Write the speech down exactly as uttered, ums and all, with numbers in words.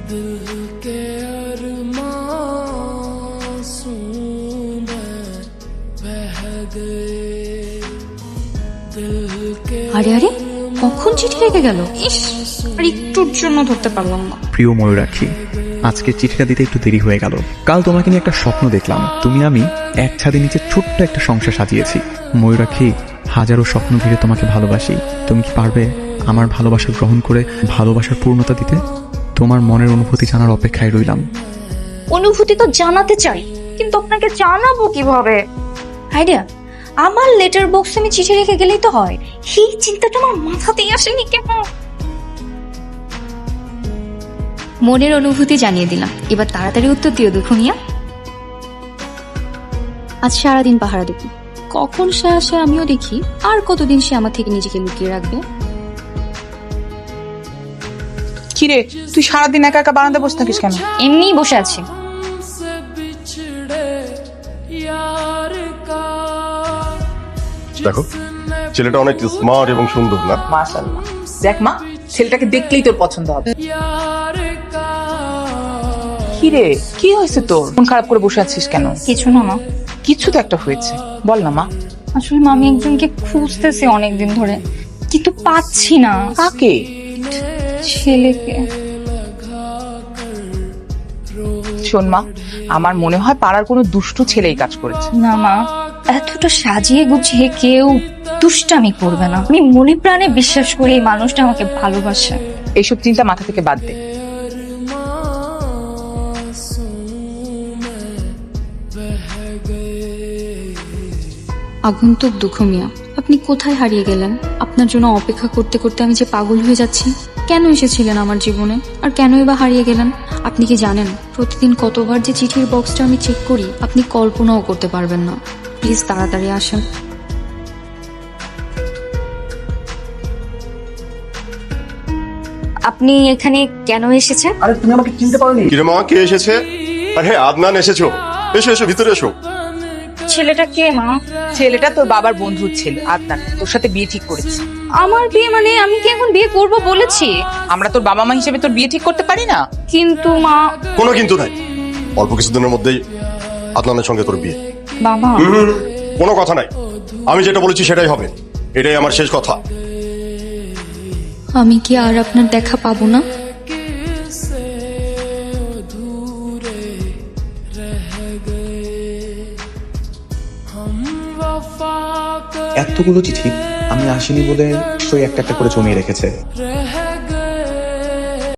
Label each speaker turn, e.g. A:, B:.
A: আরে আরে কখন চিঠি লেগে গেল, ইস আর একটুর জন্য ধরতে পারলাম না।
B: প্রিয় ময়ূরাক্ষী, আজকে চিঠিটা দিতে একটু দেরি হয়ে গেল। কাল তোমাকে নিয়ে একটা স্বপ্ন দেখলাম, তুমি আমি এক ছাদের নিচে ছোট্ট একটা সংসার সাজিয়েছি। ময়ূরাক্ষী, হাজারো স্বপ্ন ঘিরে তোমাকে ভালোবাসি। তুমি কি পারবে আমার ভালোবাসা গ্রহণ করে ভালোবাসার পূর্ণতা দিতে? তোমার মনের অনুভূতি জানার অপেক্ষায় রইলাম।
A: অনুভূতি তো জানাতে চাই, কিন্তু আপনাকে জানাবো কিভাবে? আইডিয়া, আমার লেটার বক্সে আমি চিঠি রেখে গেলেই তো হয়। এই চিন্তাটা আমার মাথাতেই আসেনি কেন? মনের অনুভূতি জানিয়ে দিলাম, এবার তাড়াতাড়ি উত্তর দিও দুখুনিয়া। আজ সারাদিন পাহারা দেখি, কখন সে আসে আমিও দেখি, আর কতদিন সে আমার থেকে নিজেকে লুকিয়ে রাখবে।
C: কিরে, তুই সারাদিন একা একা বারান্দায় বসে থাকিস কেন?
A: এমনিই বসে আছি।
D: দেখো, ছেলেটা অনেক স্মার্ট এবং সুন্দর না?
C: মাশাআল্লাহ। দেখ মা, ছেলেটাকে দেখলেই তোর পছন্দ হবে। কিরে, কি হয়েছে তোর? মন খারাপ করে বসে আছিস কেন?
A: কিছু না মা।
C: কিছু তো একটা হয়েছে, বল না মা।
A: আসলে মা, আমি একজনকে খুঁজতেছি অনেকদিন ধরে, কিন্তু পাচ্ছি না।
C: কাকে?
A: ছেলেকে।
C: শোন মা, আমার মনে হয় পাড়ার কোনো দুষ্টু ছেলেই কাজ করেছে।
A: না মা, এতটা সাজিয়ে গুছিয়ে কেউ দুষ্টামি করবে না। আমি মনে প্রাণে বিশ্বাস করি এই মানুষটা আমাকে ভালোবাসে।
C: এইসব চিন্তা মাথা থেকে বাদ দে।
A: আগন্তুক দুঃখ মিয়া, আপনি কোথায় হারিয়ে গেলেন? আপনার জন্য অপেক্ষা করতে করতে আমি যে পাগল হয়ে যাচ্ছি। কেন এসেছিলেন আমার জীবনে, আর কেনই বা হারিয়ে গেলেন? আপনি কি জানেন প্রতিদিন কতবার যে চিঠির বক্সটা আমি চেক করি? আপনি কল্পনাও করতে পারবেন না। প্লিজ তাড়াতাড়ি আসেন। আপনি এখানে কেন এসেছেন?
E: আরে তুমি আমাকে চিনতে পারোনি?
D: কিরে মা, কে এসেছে? আরে আদনান এসেছো, এসো এসো, ভিতরে এসো।
A: ছেলেটা কে মা?
C: ছেলেটা তোর বাবার বন্ধুর ছেলে আদনান, তোর সাথে বিয়ে ঠিক করেছে।
A: আমার বিয়ে মানে আমি কি এখন বিয়ে করব বলেছি?
C: আমরা তোর বাবা মা হিসেবে তোর বিয়ে ঠিক করতে পারি না?
A: কিন্তু মা।
D: কোনো কিন্তু নাই, অল্প কিছুদিনের মধ্যেই আদনানের সঙ্গে তোর বিয়ে।
A: বাবা,
D: হুম, কোনো কথা নাই, আমি যেটা বলেছি সেটাই হবে, এটাই আমার শেষ কথা।
A: আমি কি আর আপনার দেখা পাবো না?
B: এতগুলো চিঠি আমি আসিনি বলে সই একটা একটা করে জমিয়ে রেখেছে।